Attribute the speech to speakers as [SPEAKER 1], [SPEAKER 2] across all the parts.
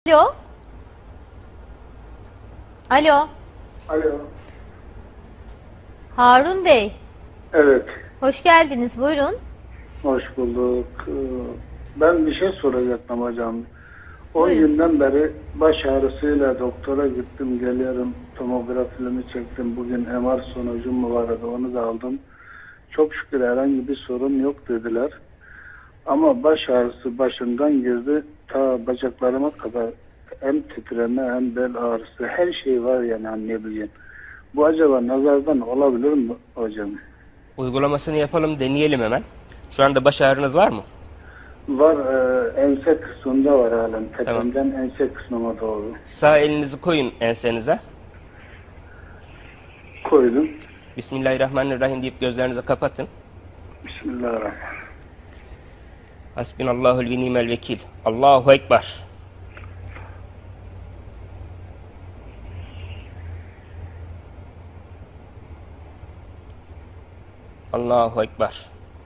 [SPEAKER 1] Alo. Alo.
[SPEAKER 2] Alo.
[SPEAKER 1] Harun Bey.
[SPEAKER 2] Evet.
[SPEAKER 1] Hoş geldiniz. Buyurun.
[SPEAKER 2] Hoş bulduk. Ben bir şey soracaktım hocam. 10
[SPEAKER 1] Buyurun.
[SPEAKER 2] günden beri baş ağrısıyla doktora gittim geliyorum. Tomografimi çektim. Bugün MR sonucum mu vardı, onu da aldım. Çok şükür herhangi bir sorun yok dediler. Ama baş ağrısı başımdan girdi. Ta bacaklarıma kadar hem titreme hem bel ağrısı, her şey var yani anlayabileceğim. Bu acaba nazardan olabilir mi hocam?
[SPEAKER 3] Uygulamasını yapalım, deneyelim hemen. Şu anda baş ağrınız var mı?
[SPEAKER 2] Var, ense kısmında var halen.
[SPEAKER 3] Tamam.
[SPEAKER 2] Tepemden ense kısmıma doğru.
[SPEAKER 3] Sağ elinizi koyun ensenize.
[SPEAKER 2] Koydum.
[SPEAKER 3] Bismillahirrahmanirrahim deyip gözlerinizi kapatın.
[SPEAKER 2] Bismillahirrahmanirrahim.
[SPEAKER 3] Hasbinallahul ve nimel vekil. Allahu Ekber. Allahu Ekber.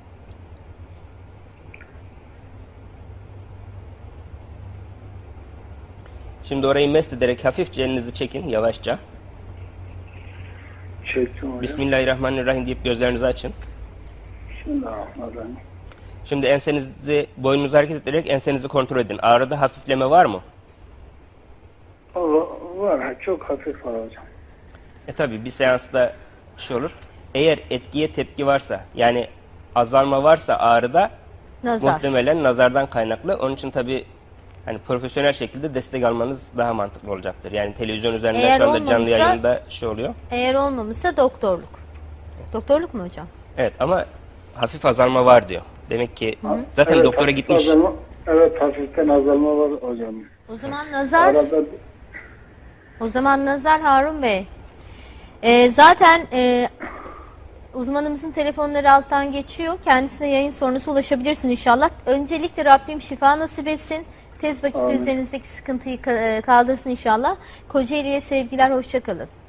[SPEAKER 3] Şimdi orayı mest ederek hafifçe elinizi çekin yavaşça.
[SPEAKER 2] Çektim hocam.
[SPEAKER 3] Bismillahirrahmanirrahim deyip gözlerinizi açın.
[SPEAKER 2] Bismillahirrahmanirrahim.
[SPEAKER 3] Şimdi ensenizi, boynunuzu hareket ettirerek ensenizi kontrol edin. Ağrıda hafifleme var mı?
[SPEAKER 2] Var, çok hafif var hocam.
[SPEAKER 3] Tabi bir seansta şey olur. Eğer etkiye tepki varsa, yani azalma varsa ağrıda,
[SPEAKER 1] Nazar.
[SPEAKER 3] muhtemelen nazardan kaynaklı. Onun için tabi hani profesyonel şekilde destek almanız daha mantıklı olacaktır. Yani televizyon üzerinden
[SPEAKER 1] Eğer
[SPEAKER 3] şu anda canlı
[SPEAKER 1] olmamışsa-
[SPEAKER 3] yayında şey oluyor.
[SPEAKER 1] Eğer olmamışsa doktorluk. Doktorluk mu hocam?
[SPEAKER 3] Evet ama hafif azalma var diyor. Demek ki zaten
[SPEAKER 2] Evet,
[SPEAKER 3] doktora
[SPEAKER 2] hafif
[SPEAKER 3] gitmiş.
[SPEAKER 2] Evet, hafiften azalma var hocam.
[SPEAKER 1] O zaman nazar.
[SPEAKER 2] Arada
[SPEAKER 1] O zaman nazar Harun Bey. Zaten uzmanımızın telefonları alttan geçiyor. Kendisine yayın sonrası ulaşabilirsin inşallah. Öncelikle Rabbim şifa nasip etsin. Tez vakitte
[SPEAKER 2] Amin.
[SPEAKER 1] üzerinizdeki sıkıntıyı kaldırsın inşallah. Kocaeli'ye sevgiler, hoşça kalın.